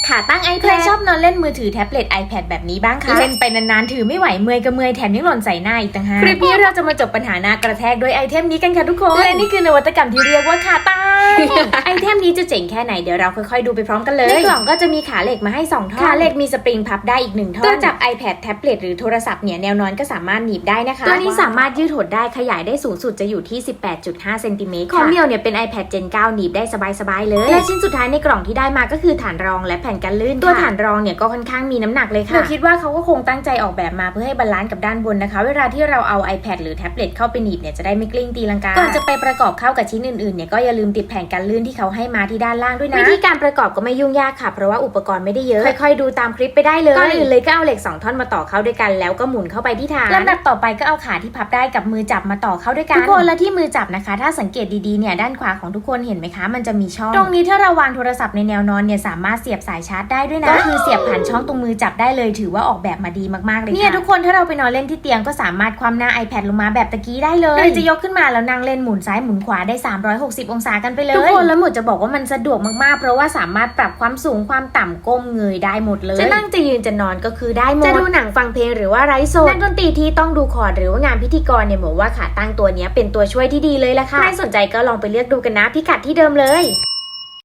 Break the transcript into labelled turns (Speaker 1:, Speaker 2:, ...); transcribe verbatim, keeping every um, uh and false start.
Speaker 1: ขาตั้ง iPad ใครชอบนอนเล่นมือถือแท็บเล็ต iPad แบบนี้บ้างคะเล่นไปนานๆถือไม่ไหวเมื่อยก็เมื่อยแถมยังหล่นใส่หน้าอีกต่างหากคลิปนี้เราจะมาจบปัญหาหน้ากระแทกด้วยไอเทมนี้กันค่ะทุกคนและนี่คือนวัตกรรมที่เรียกว่าขาตั้ง ไอเทมนี้จะเจ๋งแค่ไหนเดี๋ยวเราค่อยๆดูไปพร้อมกันเลยในกล่องก็จะมีขาเหล็กมาให้สองท่อนขาเหล็กมีสปริงพับได้อีกหนึ่งท่อนตัวจับ iPad แท็บเล็ตหรือโทรศัพท์เนี่ยแนวนอนก็สามารถหนีบได้นะคะตัวนี้สามารถยืดหดได้ขยายได้สูงสุดจะอยู่ที่ สิบแปดจุดห้า เซนติเมตรคอมเมียวเนี่ยเป็น iPad เจน เก้า หนีบได้สบายๆเลยและชิ้นสุดท้ายในกล่องที่ได้มาก็คือฐานรองและแผ่นกันลื่นตัวฐานรองเนี่ยก็ค่อนข้างมีน้ำหนักเลยค่ะหนูคิดว่าเขาก็คงตั้งใจออกแบบมาเพื่อให้บาลานซ์กับด้านบนนะคะเวลาที่เราเอา iPad หรือแท็บเล็ตเข้าไปหนีบเนี่ยจะได้ไม่กลิ้งตีลังกาก่อนจะไปประกอบเข้ากับชิ้นอื่นๆเนี่ยก็อย่าลืมติดแผ่นกันลื่นที่เขาให้มาที่ด้านล่างด้วยนะวิธีการประกอบก็ไม่ยุ่งยากค่ะเพราะว่าอุปกรณ์ไม่ได้เยอะค่อยๆดูตามคลิปไปได้เลยก่อนอื่นเลยก็เอาเหล็กสองท่อนมาต่อเข้าด้วยกันแล้วก็หมุนเข้าไปที่ฐานลำดับต่อไปก็เอาขาที่พับได้กับมือจับมาต่อเข้าด้วยกันทุกคนและที่มือจับนะคะถ้าสังเกตดีๆเนี่ยด้านขวาของทุกคนเห็นไหมคะมันจะมีช่องตรงนี้ถ้าเราวางโทรศัพท์ในแนวนอนเนี่ยสามารถเสียบสายชาร์จได้ด้วยนะก็คือเสียบผ่านช่องตรงมือจับได้เลยถือว่าออกแบบมาดีมากๆเลยเนี่ยทุกคนถ้าเราไปนอนเล่นที่เตียงก็สามารถคว่ำหน้า iPad ลงมาแบบตะกี้ได้เลยหรือจะยกขึ้นมาแล้วนั่งเล่นหมุนซ้ายหมุนขวาได้สามร้อยหกสิบองศากันไปเลยทุกคนแล้วหมดจะบอกว่ามันสะดวกมากๆเพราะว่าสามารถปรับความสูงความต่ำก้มเงยได้หมดเลยจะนั่งจะยืนจะนอนก็คือได้หมดจะดูหนังฟังเพลงหรือว่าไร้โซนักดนตรีที่ต้องดูคอร์ดหรือว่างานพิธีกรเนี่ยบอกว่าขาตั้งตัวนี้เป็นตัวช่วยที่ดีเลยละค่ะใครสนใจก็ลองไปเลือกดูกันนะพิกัดที่เดิมเลย